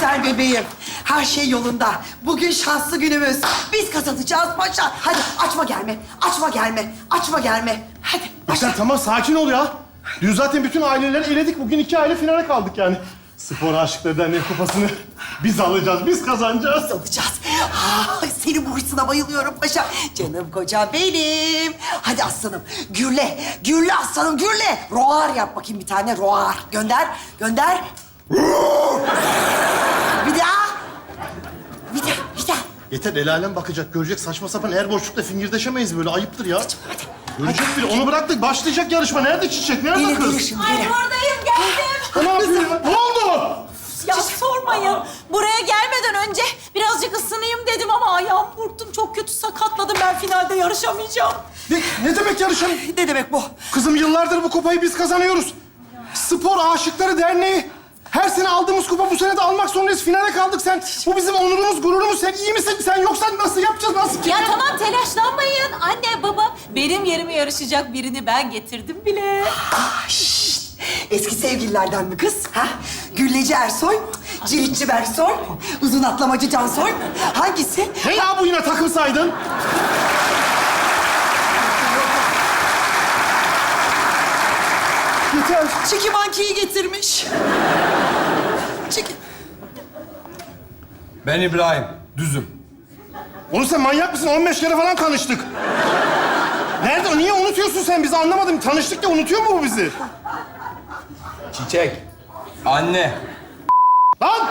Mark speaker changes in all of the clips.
Speaker 1: güzel bebeğim. Her şey yolunda. Bugün şanslı günümüz. Biz kazanacağız paşa. Hadi açma gelme. Açma gelme. Açma gelme. Hadi başla.
Speaker 2: Sen tamam sakin ol ya. Dün zaten bütün aileleri eledik. Bugün 2 aile finale kaldık yani. Spor Aşıkları Derneği kupasını biz alacağız, biz kazanacağız.
Speaker 1: Biz alacağız. Senin bu hırsına bayılıyorum paşa. Canım kocam benim. Hadi aslanım. Gürle. Gürle aslanım gürle. Roar yap bakayım bir tane roar. Gönder. Gönder. Bir daha. Bir daha. Bir daha.
Speaker 2: Yeter, el alem bakacak, görecek. Saçma sapan her boşlukta fingirdeşemeyiz böyle. Ayıptır ya.
Speaker 1: Hadi.
Speaker 2: Görecek biri. Onu bıraktık. Başlayacak yarışma. Nerede Çiçek? Nerede
Speaker 1: Gelir
Speaker 2: kız?
Speaker 1: gelir şimdi
Speaker 3: Ay
Speaker 1: gelir.
Speaker 3: buradayım, geldim.
Speaker 2: Ne yapıyorsun? Ne oldu?
Speaker 3: Ya sormayın. Buraya gelmeden önce birazcık ısınayım dedim ama ayağım burktum. Çok kötü sakatladım. Ben finalde yarışamayacağım.
Speaker 2: Ne demek yarışan?
Speaker 1: Ne demek bu?
Speaker 2: Kızım yıllardır bu kupayı biz kazanıyoruz. Spor Aşıkları Derneği. Her sene aldığımız kupa bu sene de almak zorundayız. Finale kaldık sen. Bu bizim onurumuz, gururumuz. Sen iyi misin? Sen yoksan nasıl yapacağız? Nasıl?
Speaker 3: Ya tamam telaşlanmayın. Anne, baba benim yerime yarışacak birini ben getirdim bile.
Speaker 1: Şşt! Eski sevgililerden mi kız? Ha? Gülleci Ersoy, Ciritçi Bersoy, uzun atlamacı Cansoy. Hangisi?
Speaker 2: Ne ya bu yine takımsaydın?
Speaker 1: Yeter. Çiki Monkey'i getirmiş. Çiki...
Speaker 4: Ben İbrahim, düzüm.
Speaker 2: Oğlum sen manyak mısın? 15 kere falan tanıştık. Nerede? Niye unutuyorsun sen bizi? Anlamadım. Tanıştık da unutuyor mu bu bizi?
Speaker 4: Çiçek, anne.
Speaker 2: Lan!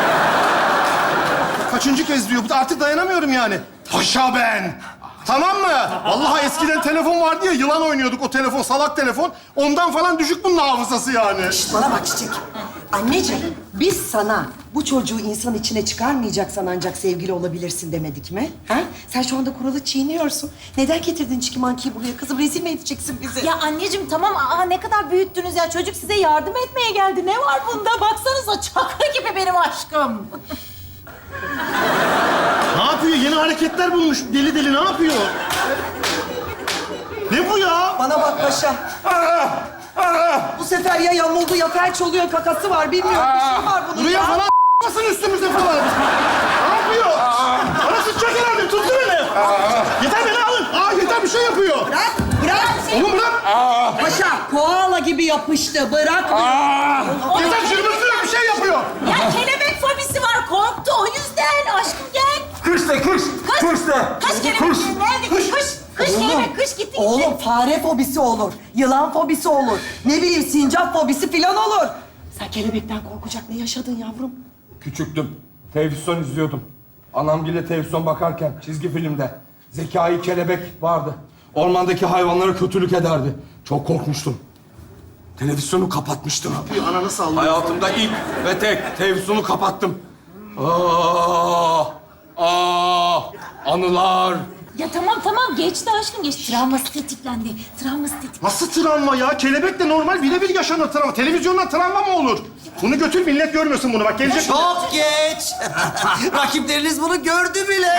Speaker 2: Kaçıncı kez diyor? Artık dayanamıyorum yani. Paşa ben. Tamam mı? Vallahi eskiden telefon vardı ya, yılan oynuyorduk o telefon, salak telefon. Ondan falan düşük bunun hafızası yani.
Speaker 1: Şşt, bana bak Çiçek. Anneciğim, biz sana bu çocuğu insan içine çıkarmayacaksan ancak sevgili olabilirsin demedik mi? Ha? Sen şu anda kuralı çiğniyorsun. Neden getirdin Çiki Monkey'i buraya? Kızım rezil mi edeceksin bizi?
Speaker 3: Ya anneciğim tamam. Ne kadar büyüttünüz ya. Çocuk size yardım etmeye geldi. Ne var bunda? Baksanıza çakra gibi benim aşkım.
Speaker 2: Ne yapıyor? Yeni hareketler bulmuş. Deli deli ne yapıyor? Ne bu ya?
Speaker 1: Bana bak paşa. Bu sefer ya yamuldu ya felç oluyor, kakası var. Bilmiyorum, bir şey var bunun
Speaker 2: Buraya
Speaker 1: ya.
Speaker 2: falan basın üstümüze falan. Ne yapıyor? Bana sıçacak herhalde. Tuttu beni. Yeter beni alın. Yeter bir şey yapıyor.
Speaker 1: Bırak, bırak.
Speaker 2: Oğlum bırak.
Speaker 1: Paşa, koala gibi yapıştı. Bırak.
Speaker 2: Yeter cırmızlıyor bir şey yapıyor.
Speaker 3: Ya kelebek fobisi var. Korktu o yüzden. Aşkım gel.
Speaker 4: Kış de kış, kış de.
Speaker 3: Kaç kelebek? Nerede? Kış kelebek. Kış gitti.
Speaker 1: Oğlum fare fobisi olur, yılan fobisi olur. Ne bileyim sincap fobisi falan olur. Sen kelebekten korkacak ne yaşadın yavrum?
Speaker 4: Küçüktüm, televizyon izliyordum. Anamgille televizyon bakarken çizgi filmde Zekai kelebek vardı. Ormandaki hayvanlara kötülük ederdi. Çok korkmuştum. Televizyonu kapatmıştım.
Speaker 2: Bir ananı sallıyor.
Speaker 4: Hayatımda ilk ve tek televizyonu kapattım. Anılar.
Speaker 3: Ya tamam geçti aşkım geçti. Travması tetiklendi. Travması tetiklendi.
Speaker 2: Nasıl travma ya? Kelebek de normal birebir yaşanır travma. Televizyondan travma mı olur? Bunu götür, millet görmüyorsun bunu. Bak gelecek.
Speaker 5: Çok geç. Rakipleriniz bunu gördü bile.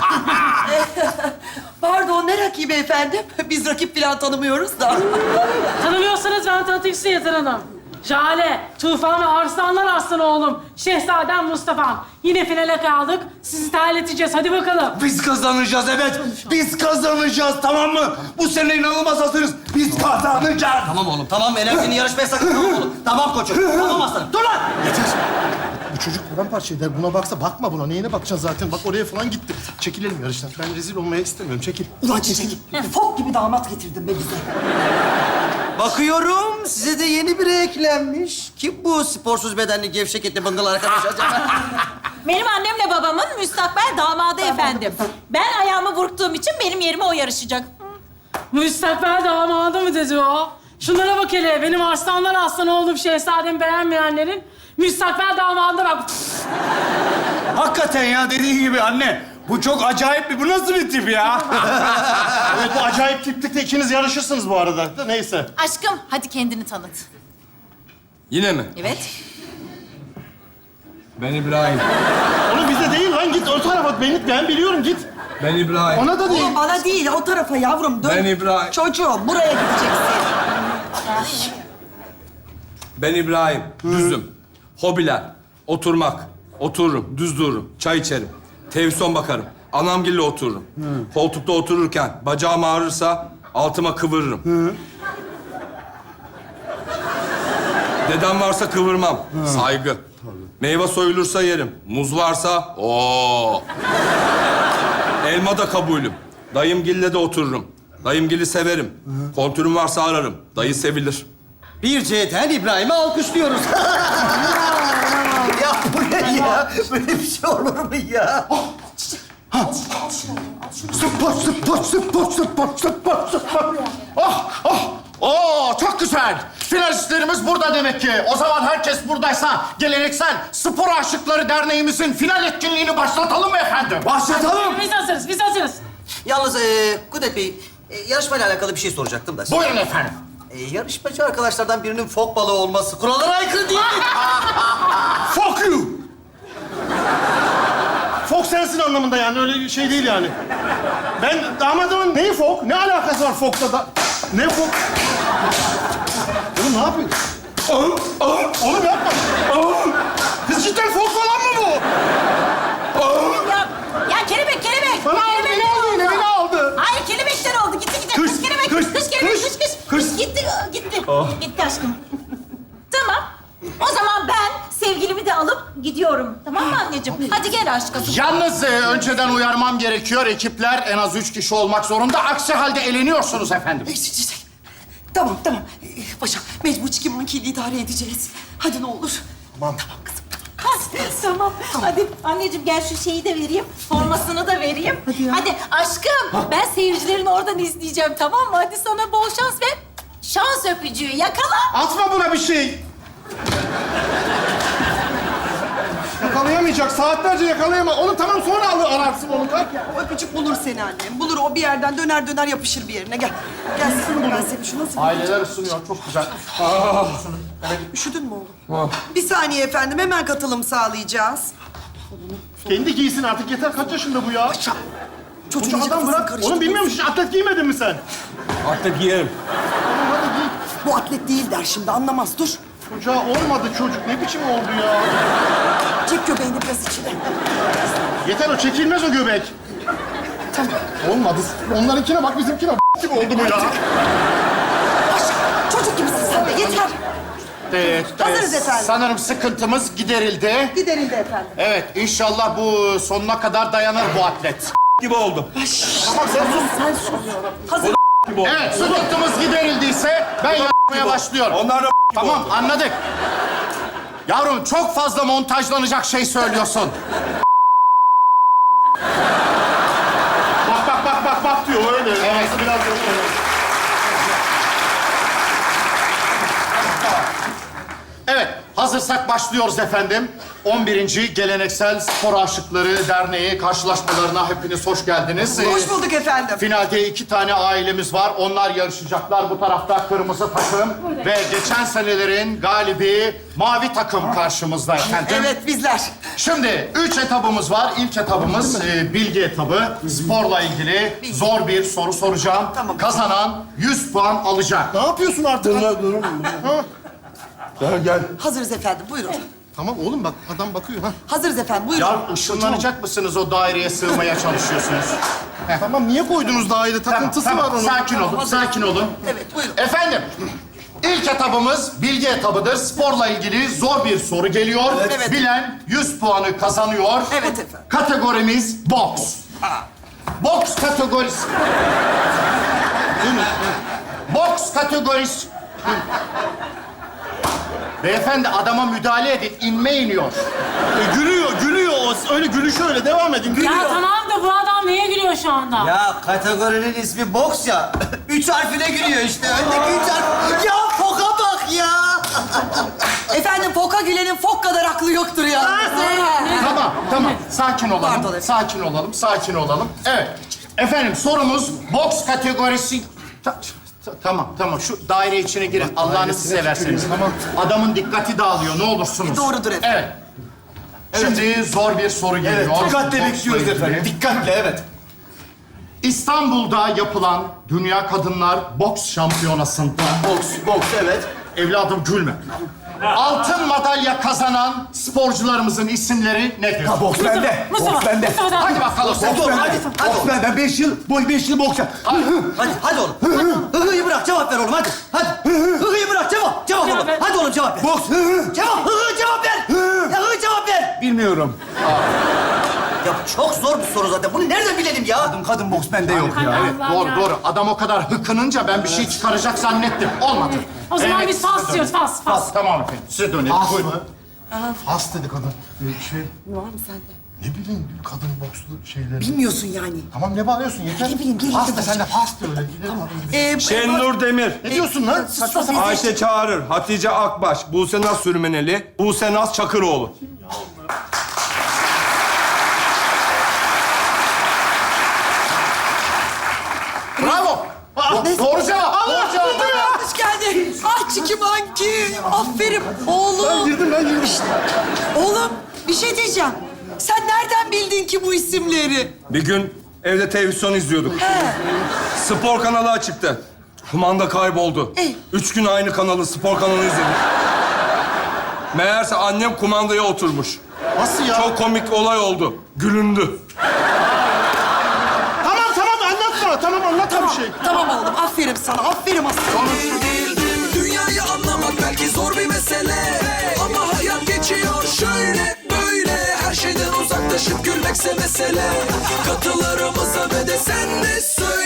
Speaker 1: Pardon ne rakibi efendim? Biz rakip falan tanımıyoruz da.
Speaker 6: Tanımıyorsanız ben tanıtayım size Yeter Hanım. Jale, Tufan ve Arslanlar Aslan oğlum. Şehzadem Mustafa'm. Yine finale kaldık. Sizi terleteceğiz. Hadi bakalım.
Speaker 5: Biz kazanacağız evet. Biz kazanacağız tamam mı? Bu sene inanılmaz hazırız. Biz kazanacağız. Tamam oğlum tamam. Enerjini yarışmaya sakın tamam oğlum. Tamam koçum. Tamam aslanım. Dur lan.
Speaker 2: Yeter. Bu çocuk paramparça eder. Buna baksa bakma buna. Neyine bakacaksın zaten? Bak oraya falan gitti. Çekilelim yarıştan. Ben rezil olmaya istemiyorum. Çekil.
Speaker 1: Ulan Çiçek, fok gibi damat getirdin be bize.
Speaker 5: Bakıyorum size de yeni biri eklenmiş. Kim bu sporsuz bedenli gevşek etli bıngıl arkadaş acaba?
Speaker 3: Benim annemle babamın müstakbel damadı efendim. Ben ayağımı burktuğum için benim yerime o yarışacak.
Speaker 6: Müstakbel damadı mı dedi o? Şunlara bak hele. Benim Arslanlar Aslan oğlum şehzademi beğenmeyenlerin müstakbel damadına bak.
Speaker 7: Hakikaten ya dediğin gibi anne. Bu çok acayip bir... Bu nasıl bir tip ya?
Speaker 2: Evet bu acayip tiplikte ikiniz yarışırsınız bu arada. Da neyse.
Speaker 3: Aşkım hadi kendini tanıt.
Speaker 4: Yine mi?
Speaker 3: Evet.
Speaker 4: Ben İbrahim.
Speaker 2: Onu bize değil lan. Git o tarafa. Ben biliyorum git.
Speaker 4: Ben İbrahim.
Speaker 2: Ona da değil.
Speaker 1: Oğlum bana değil, o tarafa yavrum. Dön.
Speaker 4: Ben İbrahim.
Speaker 1: Çocuğum, buraya gideceksin.
Speaker 4: Ben İbrahim, düzüm. Hobiler, oturmak, Otururum, düz dururum, çay içerim. Televizyon bakarım. Anamgille otururum. Koltukta otururken bacağım ağrırsa altıma kıvırırım. Dedem varsa kıvırmam. Saygı. Meyve soyulursa yerim. Muz varsa o. Elma da kabulüm. Dayımgille de otururum. Dayımgili severim. Kontürüm varsa ararım. Dayı sevilir.
Speaker 5: Bir C'den İbrahim'i alkışlıyoruz. Ya bu ne ya? Böyle bir şey olur mu ya?
Speaker 2: Spor, spor, spor, spor, spor, spor. Oh, oh. Oo, çok güzel. Finalistlerimiz burada demek ki. O zaman herkes buradaysa geleneksel Spor Aşıkları Derneğimizin final etkinliğini başlatalım mı efendim?
Speaker 5: Başlatalım.
Speaker 6: Biz hazırız, biz hazırız.
Speaker 5: Yalnız Kudret Bey, yarışmayla alakalı bir şey soracaktım da.
Speaker 2: Buyurun efendim.
Speaker 5: Yarışmacı arkadaşlardan birinin fok balığı olması kurallara aykırı değil mi?
Speaker 2: Fuck you. Fok sensin anlamında yani, öyle şey değil yani. Ben damadımın neyi fok? Ne alakası var fokla da? Ne fok? Oğlum ne yapıyorsun? Oğlum yapma. Kız cidden fok falan mı bu?
Speaker 3: Ya kelebek.
Speaker 2: Bana aldı, beni aldı yine, beni aldı.
Speaker 3: Hayır kelebekten oldu. Gitti.
Speaker 2: Kış,
Speaker 3: Kış kelebek.
Speaker 2: kış,
Speaker 3: Kış kelebek.
Speaker 2: kış,
Speaker 3: Kış.
Speaker 2: kış.
Speaker 3: Gitti. Gitti aşkım. Tamam. O zaman ben sevgilimi de alıp gidiyorum. Tamam mı anneciğim? Hadi gel aşkım.
Speaker 2: Yalnız önceden uyarmam gerekiyor. Ekipler en az 3 kişi olmak zorunda. Aksi halde eleniyorsunuz efendim.
Speaker 1: Tamam. Paşa, mecbur çiki mankiyla idare edeceğiz. Hadi ne olur.
Speaker 2: Tamam.
Speaker 3: Tamam. Hadi anneciğim gel şu şeyi de vereyim. Formasını da vereyim. Hadi aşkım. Ben seyircilerin oradan izleyeceğim tamam mı? Hadi sana bol şans ve şans öpücüğü yakala.
Speaker 2: Atma buna bir şey. Yakalayamayacak. Saatlerce yakalayamaz. Onu tamam sonra ararsın onu. Kalk.
Speaker 1: O öpücük bulur seni annem. Bulur o bir yerden döner yapışır bir yerine. Gel. Gel ben seni şu nasıl...
Speaker 2: Aileler ısınıyor. Çok güzel.
Speaker 1: Üşüdün mü oğlum? Bir saniye efendim. Hemen katılım sağlayacağız.
Speaker 2: Kendi giysin artık. Yeter. Kaç yaşında bu ya?
Speaker 1: Çocuğun
Speaker 2: Koca
Speaker 1: iyice
Speaker 2: adam
Speaker 1: kafasını
Speaker 2: bırak.
Speaker 1: karıştırdı.
Speaker 2: Oğlum bilmiyor musun? Atlet giymedin mi sen?
Speaker 4: Artık giyerim.
Speaker 1: Bu atlet değil der şimdi. Anlamaz. Dur.
Speaker 2: Çocuğa olmadı çocuk. Ne biçim oldu ya?
Speaker 1: Çek göbeğini biraz içine.
Speaker 2: Yeter o. Çekilmez o göbek. Tamam. Olmadı. Onlarınkine bak, bizimkine gibi oldu bu ya.
Speaker 1: Çocuk gibisin sen de. Yeter.
Speaker 2: Evet.
Speaker 1: Hazırız efendim.
Speaker 2: Sanırım sıkıntımız giderildi.
Speaker 1: Giderildi efendim.
Speaker 2: Evet, inşallah bu sonuna kadar dayanır bu atlet.
Speaker 4: Gibi oldum.
Speaker 2: Tamam, sen sus.
Speaker 1: Sen sus. Hazır.
Speaker 4: Gibi oldum.
Speaker 2: Evet, sıkıntımız giderildiyse ben yapmaya başlıyorum.
Speaker 4: Onlar da
Speaker 2: Tamam, anladık. Yavrum, çok fazla montajlanacak şey söylüyorsun. Bak diyor öyle. Evet, biraz öyle. Evet, hazırsak başlıyoruz efendim. 11. Geleneksel Spor Aşıkları Derneği karşılaşmalarına hepiniz hoş geldiniz.
Speaker 1: Hoş bulduk efendim.
Speaker 2: Finalde 2 tane ailemiz var. Onlar yarışacaklar. Bu tarafta kırmızı takım ve geçen senelerin galibi mavi takım karşımızda efendim.
Speaker 1: Evet bizler.
Speaker 2: Şimdi 3 etabımız var. İlk etabımız bilgi etabı. Sporla ilgili zor bir soru soracağım.
Speaker 1: Tamam.
Speaker 2: Kazanan 100 puan alacak. Ne yapıyorsun artık?
Speaker 4: Gel.
Speaker 1: Hazırız efendim. Buyurun.
Speaker 2: Tamam oğlum bak adam bakıyor ha.
Speaker 1: Hazırız efendim. Buyurun.
Speaker 2: Ya ışınlanacak mısınız o daireye sığmaya çalışıyorsunuz? Tamam niye koydunuz daire? Takıntısı var onun. Sakin olun, sakin olun.
Speaker 1: Evet buyurun.
Speaker 2: Efendim, ilk etabımız bilgi etabıdır. Sporla ilgili zor bir soru geliyor.
Speaker 1: Evet.
Speaker 2: Bilen 100 puanı kazanıyor.
Speaker 1: Evet efendim.
Speaker 2: Kategorimiz boks. Boks kategorisi. Boks kategorisi. Beyefendi adama müdahale edin. İnme iniyor. Gülüyor. O öyle gülüşü öyle. Devam edin.
Speaker 6: Ya tamam da bu adam neye gülüyor şu anda?
Speaker 5: Ya kategorinin ismi boks ya. 3 harfine gülüyor işte. Öndeki 3 harf. Ya foka bak ya.
Speaker 1: Efendim foka gülenin fok kadar aklı yoktur ya.
Speaker 2: Tamam. Sakin olalım.
Speaker 1: Pardon efendim.
Speaker 2: Sakin olalım. Evet. Efendim sorumuz boks kategorisi... Tamam. Şu daire içine girin. Allah'ınızı severseniz. Tamam. Adamın dikkati dağılıyor. Ne olursunuz.
Speaker 1: Doğrudur efendim.
Speaker 2: Evet. Şimdi zor bir soru geliyor.
Speaker 7: Dikkatle
Speaker 2: Boksla
Speaker 7: bekliyoruz
Speaker 2: ilgili.
Speaker 7: efendim. Dikkatle evet.
Speaker 2: İstanbul'da yapılan Dünya Kadınlar Boks Şampiyonası'nda...
Speaker 7: Boks evet.
Speaker 2: Evladım gülme.
Speaker 8: altın madalya kazanan sporcularımızın isimleri nedir?
Speaker 7: Ha, boks bende.
Speaker 6: Mustafa,
Speaker 7: Boks bende.
Speaker 6: Mustafa,
Speaker 8: Hadi bakalım.
Speaker 5: Boks bende. Hadi.
Speaker 7: Boks bende. Ben 5 yıl boks yap.
Speaker 5: Hadi oğlum. Hıhıyı bırak, cevap ver oğlum, hadi. Hadi. Hıhıyı bırak, cevap oğlum.
Speaker 6: Cevap ver.
Speaker 5: Hadi oğlum, cevap ver.
Speaker 7: Boks.
Speaker 5: Cevap, cevap ver. Ya cevap ver.
Speaker 7: Bilmiyorum.
Speaker 5: Ya çok zor bir soru zaten. Bunu nereden bilelim ya?
Speaker 7: Kadın boks bende yok ya.
Speaker 6: Hay
Speaker 7: Evet.
Speaker 6: Allah
Speaker 8: Doğru
Speaker 6: ya.
Speaker 8: doğru. Adam o kadar hıkınınca ben bir şey çıkaracak zannettim. Olmadı.
Speaker 6: O zaman
Speaker 8: Evet,
Speaker 6: biz fas diyoruz, fas.
Speaker 8: Tamam efendim. Size dönelim. Buyurun.
Speaker 2: Fas dedi kadın.
Speaker 1: Ne var mı sende?
Speaker 2: Ne bileyim kadın bokslu şeyleri.
Speaker 1: Bilmiyorsun yani.
Speaker 2: Tamam ne bağırıyorsun yeter.
Speaker 1: Ne bileyim, gelince
Speaker 2: Fas da
Speaker 1: bakacağım.
Speaker 2: sen de fas de öyle. Gidelim.
Speaker 4: Şenur Demir.
Speaker 2: Ne diyorsun lan? Saçma sapan.
Speaker 4: Ayşe Çağırır, Hatice Akbaş, Buse Naz Sürmeneli, Buse Naz Çakıroğlu.
Speaker 8: Bravo. Doğru cevap. Doğru cevap.
Speaker 1: Hoş geldin. Ah Çikimanki. Aferin oğlum.
Speaker 2: Ben girdim.
Speaker 1: Oğlum bir şey diyeceğim. Sen nereden bildin ki bu isimleri?
Speaker 4: Bir gün evde televizyon izliyorduk. Spor kanalı açıktı. Kumanda kayboldu. 3 gün aynı kanalı, spor kanalı izledik. Meğerse annem kumandaya oturmuş.
Speaker 2: Nasıl ya?
Speaker 4: Çok komik olay oldu. Gülündü.
Speaker 2: Tamam anlatma. Tamam anlatma bir şey.
Speaker 1: Tamam oğlum aferin sana. Aferin aslanım.
Speaker 9: Dünyayı anlamak belki zor bir mesele, ama hayat geçiyor şöyle böyle. Her şeyden uzaklaşıp gülmekse mesele. Katılarımıza ve de sen de söyle.